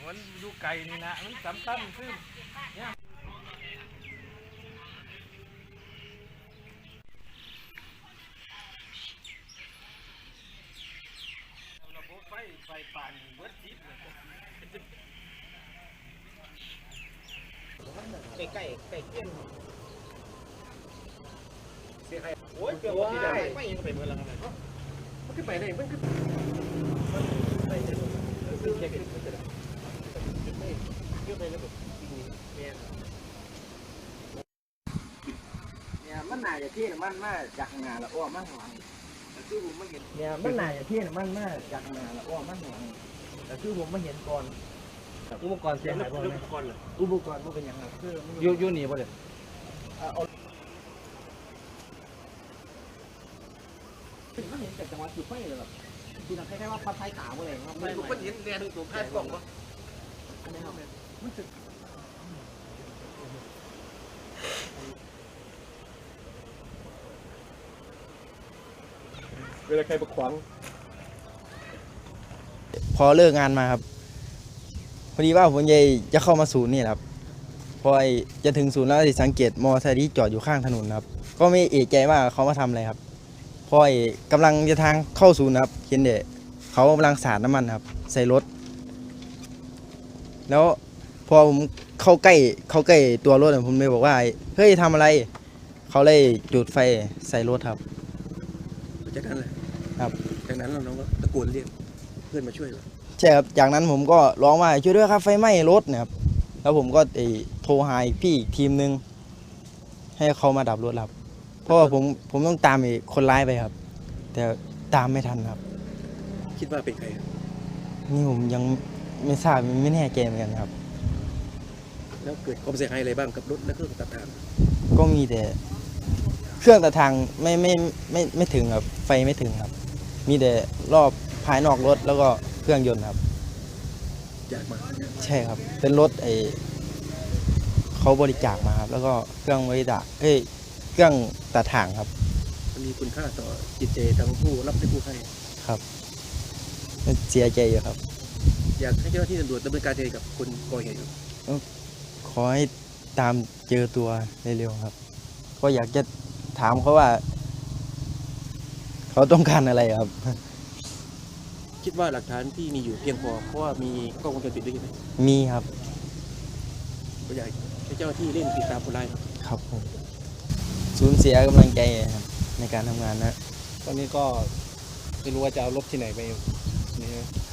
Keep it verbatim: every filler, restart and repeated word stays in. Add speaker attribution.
Speaker 1: มันอยู่ไกลนี่นะมันสำคัญซึ่งเนี่ยระบบไฟไฟป่านเบิดทิศเลยใกล้ใกล้ใกล้เกี้ยนเสียใครโอ้ยเกี่ยวกับที่ได้ไม่ยังไปเมื่อไรกันเลยมันขึ้นไปไหนมันขึ้นไปไหนซึ่งแค่ขึ้นไม่ได้ขึ้นไม่ขึ้นไประบบเนี่ยเนี่ยมันน่าจะเที่ยงมันมาจากงานละอ้อมันหวังแต่คือผมไม่เห็นเนี่ยมันน่าจะเที่ยงมันมาจากงานละอ้อมันหวังแต่คือผมไม่เห็นก่อนอุปกรณ์เสียหายบ่อุปกรณ์เลยอุปกรณ์มันเป็นยังไงคือยูยูนี่บ่เลยมันเห็นจากจังหวะจุดไฟเลยแบบคือทำคล้ายๆว่าพัดไฟขาวอะไรครับไม่มันเห็นแดงตัวแค่กล่องปะอันนี้ครับมันสึกเวลาใครประขวาง
Speaker 2: พอเลิกงานมาครับพอดีว่าผมจะจะเข้ามาศูนย์นี่ครับพอจะถึงศูนย์แล้วสังเกตมอเตอร์ไซค์ที่จอดอยู่ข้างถนนครับก็ไม่เอะใจว่าเขามาทำอะไรครับพอกำลังจะทางเข้าศูนย์ครับเห็นเด็กเขากำลังสาดน้ำมันครับใส่รถแล้วพอผมเข้าใกล้เข้าใกล้ตัวรถผมเลยบอกว่าเฮ้ยทำอะไรเขาเลยจุดไฟใส่รถครับ
Speaker 3: จากนั้นเลย
Speaker 2: ครับ
Speaker 3: จากนั้นเราก็ตะโกนเรียกเพื่อนมาช่วย
Speaker 2: ใช่ครับจากนั้นผมก็ร้องว่าช่วยด้วยครับไฟไหม้รถเนี่ยครับแล้วผมก็โทรหาพี่ทีมนึงให้เขามาดับรถครับเพราะว่าผมผมต้องตามคนร้ายไปครับแต่ตามไม่ทันครับ
Speaker 3: คิดว่าเป็นใคร
Speaker 2: นี่ผมยังไม่ทราบไม่แน่ใจเหมือนกันครับ
Speaker 3: แล้วเกิดความเสียหายอะไรบ้างกับรถและเครื่องตัดทาง
Speaker 2: ก็มีแต่เครื่องตัดทางไม่ไม่ไม่ไม่ถึงครับไฟไม่ถึงครับมีแต่รอบภายนอกรถแล้วก็เครื่องยนต์ครับ
Speaker 3: อยากมา
Speaker 2: ใช่ครับเป็นรถไอเขาบริจาคมาครับแล้วก็เครื่องบริจาคเอ้ยเครื่องตัดทางครับ
Speaker 3: มันมีคุณค่าต่อจิตใจทั้งผู้รับและผู้ให้
Speaker 2: ครับเสียใจอยู่ครับ
Speaker 3: อยากให้เจ้าหน้าที่ตำรวจดำเนินการกับคนก่อเหตุ
Speaker 2: ขอให้ตามเจอตัวเร็วๆครับก็อยากจะถามเขาว่าเขาต้องการอะไรครับ
Speaker 3: คิดว่าหลักฐานที่มีอยู่เพียงพอเพราะว่ามีกล้องวงจรปิดด้วยไหม
Speaker 2: มีครับ
Speaker 3: ก็อยากให้เจ้าหน้าที่เร่งติดตามคนร้าย
Speaker 2: ครับผมสูญเสียกำลังใจครับในการทำงานนะ
Speaker 1: ตอนนี้ก็ไม่รู้ว่าจะเอารถที่ไหนไปนี่